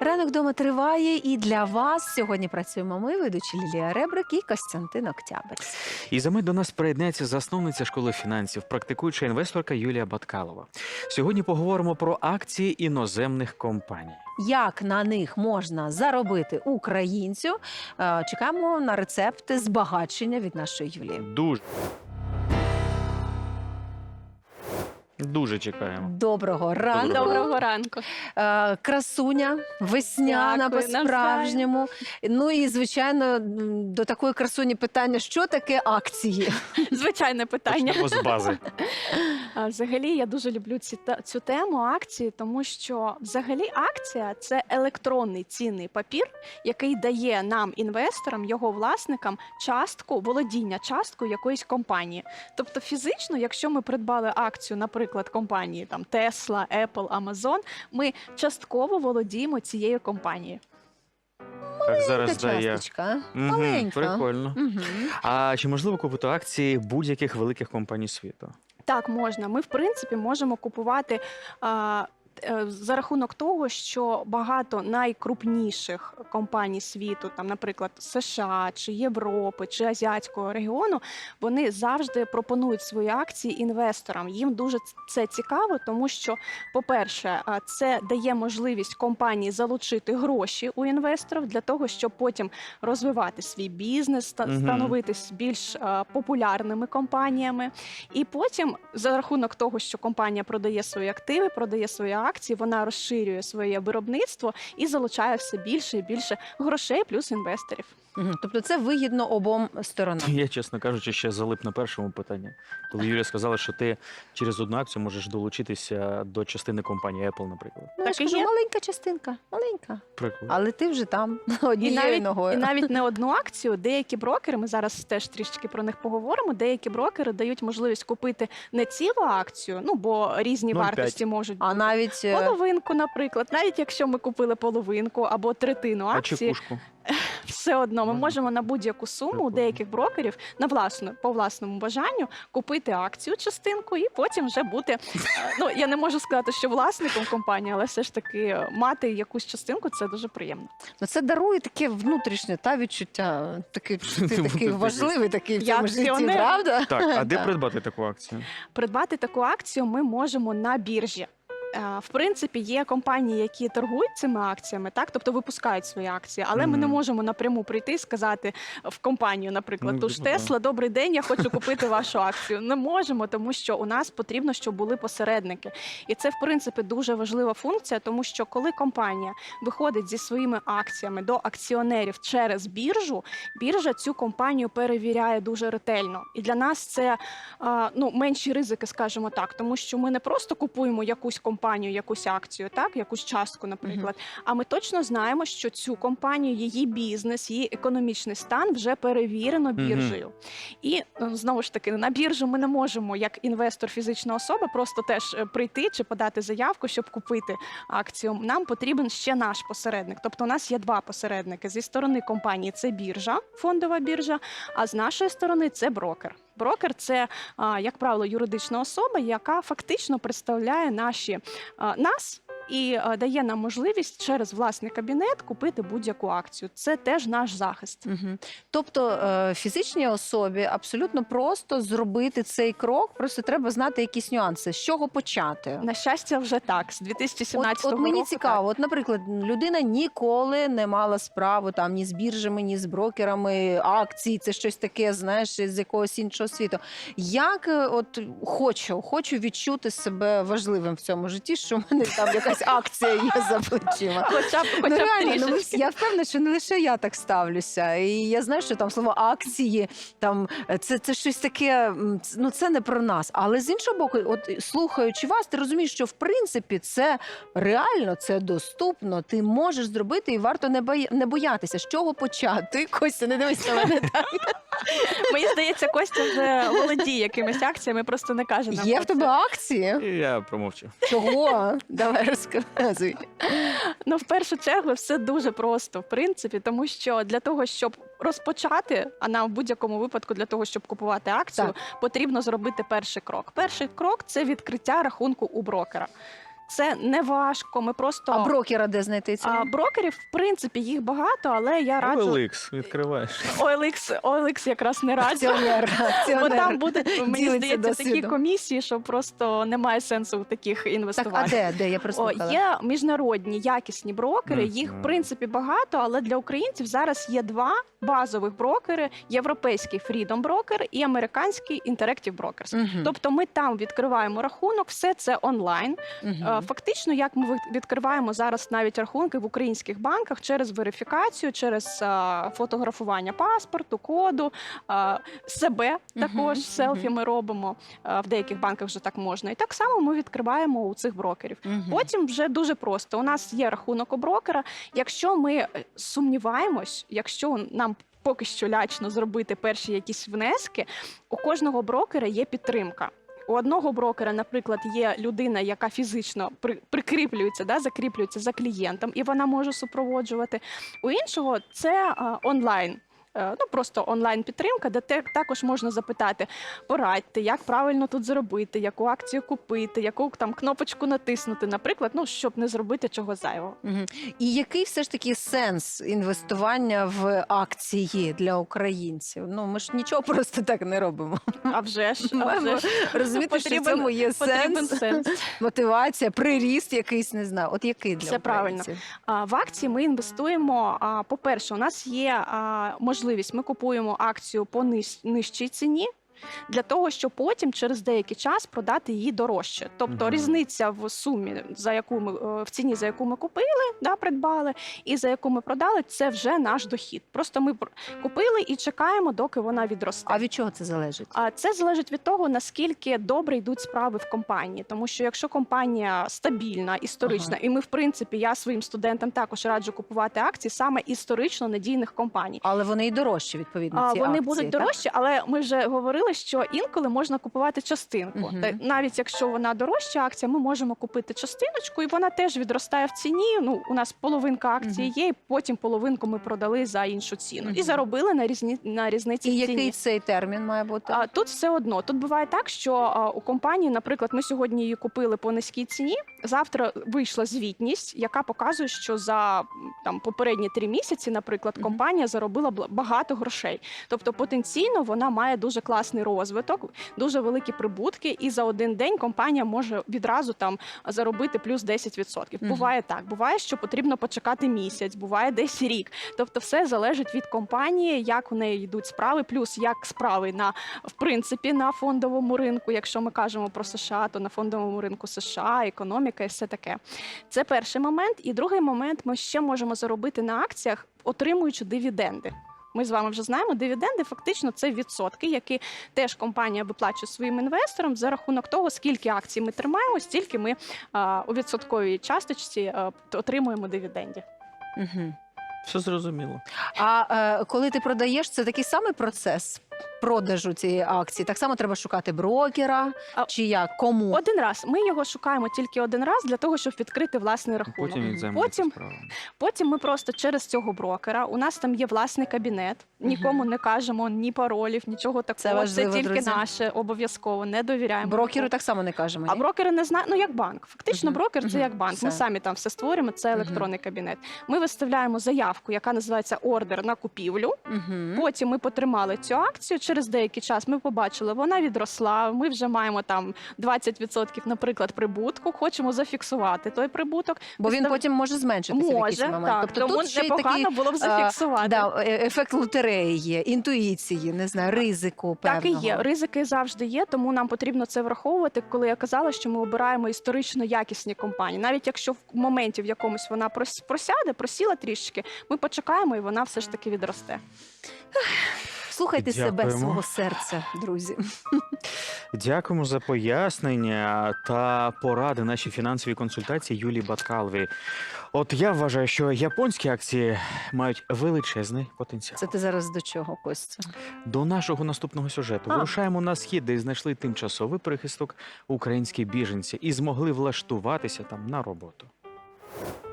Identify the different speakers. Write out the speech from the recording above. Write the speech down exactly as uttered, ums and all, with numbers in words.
Speaker 1: Ранок вдома триває, і для вас сьогодні працюємо ми, ведучі Лілія Ребрик і Костянтин Октябрьський.
Speaker 2: І за мить до нас приєднається засновниця школи фінансів, практикуюча інвесторка Юлія Баткалова. Сьогодні поговоримо про акції іноземних компаній.
Speaker 1: Як на них можна заробити українцю? Е, Чекаємо на рецепти збагачення від нашої Юлії.
Speaker 2: Дуже. Дуже чекаємо.
Speaker 1: Доброго ранку.
Speaker 3: Доброго ранку.
Speaker 1: Е, Красуня, весняна
Speaker 3: Дякую,
Speaker 1: по-справжньому. Ну і, звичайно, м, до такої красуні питання, що таке акції?
Speaker 3: Звичайне питання.
Speaker 2: Почнемо з бази.
Speaker 3: А, Взагалі, я дуже люблю ці, та- цю тему акції, тому що взагалі акція – це електронний цінний папір, який дає нам, інвесторам, його власникам, частку, володіння часткою якоїсь компанії. Тобто фізично, якщо ми придбали акцію, наприклад, компанії там Tesla, Apple, Amazon, ми частково володіємо цією компанією.
Speaker 2: Так, зараз
Speaker 1: Така
Speaker 2: дає.
Speaker 1: часточка,
Speaker 2: Мгм,
Speaker 1: маленька.
Speaker 2: Прикольно.
Speaker 1: Мгм.
Speaker 2: А чи можливо купити акції будь-яких великих компаній світу?
Speaker 3: Так, можна. Ми, в принципі, можемо купувати а, е, за рахунок того, що багато найкрупніших компаній світу, там, наприклад, США, чи Європи, чи Азіатського регіону, вони завжди пропонують свої акції інвесторам. Їм дуже це цікаво, тому що, по-перше, а, це дає можливість компанії залучити гроші у інвесторів для того, щоб потім розвивати свій бізнес, ста-
Speaker 2: Мгм.
Speaker 3: становитись більш а, популярними компаніями. І потім, за рахунок того, що компанія продає свої активи, продає свої акції, вона розширює своє виробництво і залучає все більше і більше грошей плюс інвесторів.
Speaker 1: Мгм. Тобто це вигідно обом сторонам.
Speaker 2: Я, чесно кажучи, ще залип на першому питанні. Коли Юлія сказала, що ти через одну акцію можеш долучитися до частини компанії Apple, наприклад.
Speaker 1: Ну, я
Speaker 3: Так
Speaker 1: ж
Speaker 3: і
Speaker 1: кажу,
Speaker 3: є.
Speaker 1: маленька частинка, маленька.
Speaker 2: Прикольно.
Speaker 1: Але ти вже там
Speaker 3: І
Speaker 1: однією
Speaker 3: навіть,
Speaker 1: ногою.
Speaker 3: і навіть не одну акцію, деякі брокери, ми зараз теж трішки про них поговоримо, деякі брокери дають можливість купити не цілу акцію, ну бо різні
Speaker 2: нуль цілих п'ять
Speaker 3: вартості можуть
Speaker 1: А
Speaker 3: бути.
Speaker 1: навіть е,
Speaker 3: Половинку, наприклад, навіть якщо ми купили половинку або третину
Speaker 2: А
Speaker 3: акції,
Speaker 2: чекушку?
Speaker 3: все одно ми
Speaker 2: Можна.
Speaker 3: можемо на будь-яку суму у
Speaker 2: Прикольно.
Speaker 3: деяких брокерів на власну по власному бажанню купити акцію частинку і потім вже бути. е, Ну я не можу сказати, що власником компанії, але все ж таки е, мати якусь частинку це дуже приємно.
Speaker 1: ну, це дарує таке внутрішнє та відчуття. Такий, ти такий
Speaker 2: Бути
Speaker 1: важливий такий в
Speaker 3: Я
Speaker 1: цьому житті,
Speaker 3: акціонер.
Speaker 1: правда?
Speaker 2: Так, а де
Speaker 1: Так.
Speaker 2: придбати таку акцію?
Speaker 3: Придбати таку акцію ми можемо на біржі. Е, В принципі, є компанії, які торгують цими акціями, так, тобто випускають свої акції, але ми не
Speaker 2: Мгм.
Speaker 3: можемо напряму прийти і сказати в компанію, наприклад,
Speaker 2: Ну,
Speaker 3: ту ж
Speaker 2: типу, так.
Speaker 3: Тесла, добрий день, я хочу купити вашу акцію. Не можемо, тому що у нас потрібно, щоб були посередники. І це, в принципі, дуже важлива функція, тому що коли компанія виходить зі своїми акціями до акціонерів через біржу, біржа цю компанію перевіряє дуже ретельно. І для нас це а, ну, менші ризики, скажімо так, тому що ми не просто купуємо якусь компанію, якусь акцію, так, якусь частку, наприклад, а ми точно знаємо, що цю компанію, її бізнес, її економічний стан вже перевірено біржею. І ну, знову ж таки, на біржу ми не можемо, як інвестор, фізична особа, просто теж е, прийти чи подати заявку, щоб купити акцію. Нам потрібен ще наш посередник. Тобто у нас є два посередники. Зі сторони компанії це біржа, фондова біржа, а з нашої сторони це брокер. Брокер – це, а, як правило, юридична особа, яка фактично представляє наші, а, нас і а, дає нам можливість через власний кабінет купити будь-яку акцію. Це теж наш захист.
Speaker 1: Мгм. Тобто е, фізичній особі абсолютно просто зробити цей крок, просто треба знати якісь нюанси. З чого почати?
Speaker 3: На щастя, вже так. З дві тисячі
Speaker 1: От,
Speaker 3: сімнадцятого
Speaker 1: от мені
Speaker 3: року,
Speaker 1: цікаво, от, наприклад, людина ніколи не мала справу там ні з біржами, ні з брокерами, акцій, це щось таке, знаєш, з якогось іншого світу. Як е, от хочу, хочу відчути себе важливим в цьому житті, що в мене там якась акція є за плечима.
Speaker 3: Так. Хоча б,
Speaker 1: Ну,
Speaker 3: хоча б
Speaker 1: реально, ну,
Speaker 3: трішечки.
Speaker 1: я впевнена, що не лише я так ставлюся. І я знаю, що там слово акції, там е, це, це щось таке, м, ц- ну це не про нас. Але з іншого боку, от слухаючи вас, ти розумієш, що в принципі це реально, це доступно. Ти можеш зробити і варто не боя- не боятися. З чого почати? Костя, не дивись на мене так.
Speaker 3: Мені здається, Костя вже володіє якимись акціями, просто не каже нам
Speaker 1: Є
Speaker 3: про
Speaker 1: в тебе
Speaker 3: це.
Speaker 1: акції?
Speaker 2: І я промовчу.
Speaker 1: Чого? Давай розказуй.
Speaker 3: Ну, в першу чергу, все дуже просто, в принципі, тому що для того, щоб розпочати, а нам в будь-якому випадку для того, щоб купувати акцію,
Speaker 1: Так.
Speaker 3: потрібно зробити перший крок. Перший крок – це відкриття рахунку у брокера. Це не важко. Ми просто
Speaker 1: А брокера де знайти ці?
Speaker 3: а, брокерів, в принципі, їх багато, але я раджу
Speaker 2: о ел ікс відкриваєш.
Speaker 3: о ел ікс, о ел ікс якраз не раджу.
Speaker 1: Акціонер.
Speaker 3: Бо
Speaker 1: акціонер.
Speaker 3: там будуть, мені
Speaker 1: Ділиться
Speaker 3: здається, такі
Speaker 1: досвідом.
Speaker 3: комісії, що просто немає сенсу в таких
Speaker 1: Так,
Speaker 3: інвестувати.
Speaker 1: а де? Де? Я
Speaker 3: О,
Speaker 1: прослухала.
Speaker 3: є міжнародні якісні брокери,
Speaker 2: Мгм.
Speaker 3: їх в принципі багато, але для українців зараз є два базових брокери: європейський Freedom Broker і американський Interactive Brokers.
Speaker 1: Мгм.
Speaker 3: Тобто ми там відкриваємо рахунок, все це онлайн.
Speaker 1: Мгм.
Speaker 3: Е, Фактично, як ми від- відкриваємо зараз навіть рахунки в українських банках через верифікацію, через е, фотографування паспорту, коду, е, себе також
Speaker 1: Мгм,
Speaker 3: селфі
Speaker 1: мгм.
Speaker 3: ми робимо. Е, В деяких банках вже так можна. І так само ми відкриваємо у цих брокерів.
Speaker 1: Мгм.
Speaker 3: Потім вже дуже просто. У нас є рахунок у брокера. Якщо ми е, сумніваємось, якщо нам поки що лячно зробити перші якісь внески, у кожного брокера є підтримка. У одного брокера, наприклад, є людина, яка фізично при, прикріплюється, да, закріплюється за клієнтом, і вона може супроводжувати. У іншого це а, онлайн. Е, Ну, просто онлайн-підтримка, де те, також можна запитати, порадьте, як правильно тут зробити, яку акцію купити, яку там кнопочку натиснути, наприклад, ну, щоб не зробити чого зайвого.
Speaker 1: Мгм. І який все ж таки сенс інвестування в акції для українців? Ну, ми ж нічого просто так не робимо.
Speaker 3: А вже ж, а
Speaker 1: Маємо
Speaker 3: вже ж
Speaker 1: розуміти, що в
Speaker 3: Потрібен-
Speaker 1: цьому є
Speaker 3: потрібен
Speaker 1: сенс,
Speaker 3: сенс.
Speaker 1: мотивація, приріст якийсь, не знаю. От який для
Speaker 3: Все правильно.
Speaker 1: українців?
Speaker 3: А, В акції ми інвестуємо. а, По-перше, у нас є а, можливість, ми купуємо акцію по ниж- нижчій ціні. Для того, щоб потім через деякий час продати її дорожче. Тобто
Speaker 2: Мгм.
Speaker 3: різниця в сумі, за яку ми е, в ціні, за яку ми купили, да, придбали, і за яку ми продали, це вже наш дохід. Просто ми пр- купили і чекаємо, доки вона відросте.
Speaker 1: А від чого це залежить?
Speaker 3: А це залежить від того, наскільки добре йдуть справи в компанії. Тому що якщо компанія стабільна, історична,
Speaker 1: Ага.
Speaker 3: і ми, в принципі, я своїм студентам також раджу купувати акції саме історично надійних компаній.
Speaker 1: Але вони і дорожчі, відповідно,
Speaker 3: А
Speaker 1: ці
Speaker 3: вони
Speaker 1: акції,
Speaker 3: будуть
Speaker 1: так?
Speaker 3: дорожчі, але ми вже говорили, що інколи можна купувати частинку.
Speaker 1: Мгм.
Speaker 3: Та навіть якщо вона дорожча акція, ми можемо купити частиночку, і вона теж відростає в ціні. Ну, у нас половинка акції
Speaker 1: Мгм.
Speaker 3: є, і потім половинку ми продали за іншу ціну.
Speaker 1: Мгм.
Speaker 3: І заробили на різні на різниці
Speaker 1: І
Speaker 3: в ціні.
Speaker 1: який цей термін має бути?
Speaker 3: А тут все одно. Тут буває так, що а, у компанії, наприклад, ми сьогодні її купили по низькій ціні. Завтра вийшла звітність, яка показує, що за м, там попередні три місяці, наприклад,
Speaker 1: Мгм.
Speaker 3: компанія заробила бл- багато грошей. Тобто потенційно вона має дуже класний розвиток, дуже великі прибутки, і за один день компанія може відразу там заробити плюс десять відсотків.
Speaker 1: Мгм.
Speaker 3: Буває так. Буває, що потрібно почекати місяць, буває десь рік. Тобто, все залежить від компанії, як у неї йдуть справи, плюс як справи на в принципі на фондовому ринку. Якщо ми кажемо про США, то на фондовому ринку США, економіка і все таке. Це перший момент. І другий момент, ми ще можемо заробити на акціях, отримуючи дивіденди. Ми з вами вже знаємо, дивіденди фактично це відсотки, які теж компанія виплачує своїм інвесторам за рахунок того, скільки акцій ми тримаємо, стільки ми а, у відсотковій часточці а, отримуємо дивідендів.
Speaker 1: Мгм.
Speaker 2: Все зрозуміло.
Speaker 1: А е, коли ти продаєш, це такий самий процес продажу цієї акції? Так само треба шукати брокера,
Speaker 3: А-
Speaker 1: чи як? Кому?
Speaker 3: Один раз ми його шукаємо тільки один раз для того, щоб відкрити власний рахунок.
Speaker 2: Потім він
Speaker 1: Мгм.
Speaker 2: займається
Speaker 3: Потім-
Speaker 2: справами.
Speaker 3: Потім ми просто через цього брокера. У нас там є власний кабінет. Нікому не кажемо ні паролів, нічого такого.
Speaker 1: Це важливо,
Speaker 3: тільки
Speaker 1: друзі.
Speaker 3: наше обов'язково. Не довіряємо
Speaker 1: Брокеру
Speaker 3: нікому.
Speaker 1: так само не кажемо.
Speaker 3: А
Speaker 1: ні?
Speaker 3: брокери не знають, ну як банк. Фактично,
Speaker 1: Мгм.
Speaker 3: брокер це
Speaker 1: Мгм.
Speaker 3: як банк. Ми
Speaker 1: Все.
Speaker 3: самі там все створюємо. Це
Speaker 1: Мгм.
Speaker 3: електронний кабінет. Ми виставляємо заявку, яка називається ордер на купівлю.
Speaker 1: Мгм.
Speaker 3: Потім ми потримали цю акцію. Через деякий час ми побачили, вона відросла. Ми вже маємо там двадцять відсотків, наприклад, прибутку. Хочемо зафіксувати той прибуток.
Speaker 1: Бо він
Speaker 3: Вистав-
Speaker 1: потім може зменшитися в якийсь
Speaker 3: Може,
Speaker 1: момент.
Speaker 3: так.
Speaker 1: Тобто
Speaker 3: Тому
Speaker 1: тут ще й
Speaker 3: непогано
Speaker 1: такий
Speaker 3: було б зафіксувати.
Speaker 1: да, е- ефект лотереї є, інтуїції, не знаю, ризику
Speaker 3: Так і
Speaker 1: певного.
Speaker 3: є. Ризики завжди є, тому нам потрібно це враховувати, коли я казала, що ми обираємо історично якісні компанії. Навіть якщо в моменті в якомусь вона прос- просяде, просіла трішечки, ми почекаємо і вона все ж таки відросте.
Speaker 1: Слухайте себе,
Speaker 2: Дякуємо.
Speaker 1: свого серця, друзі.
Speaker 2: Дякуємо за пояснення та поради нашій фінансовій консультації Юлії Баткаловій. От я вважаю, що японські акції мають величезний потенціал.
Speaker 1: Це ти зараз до чого, Костя?
Speaker 2: До нашого наступного сюжету
Speaker 3: А.
Speaker 2: вирушаємо на схід, де знайшли тимчасовий прихисток українські біженці і змогли влаштуватися там на роботу.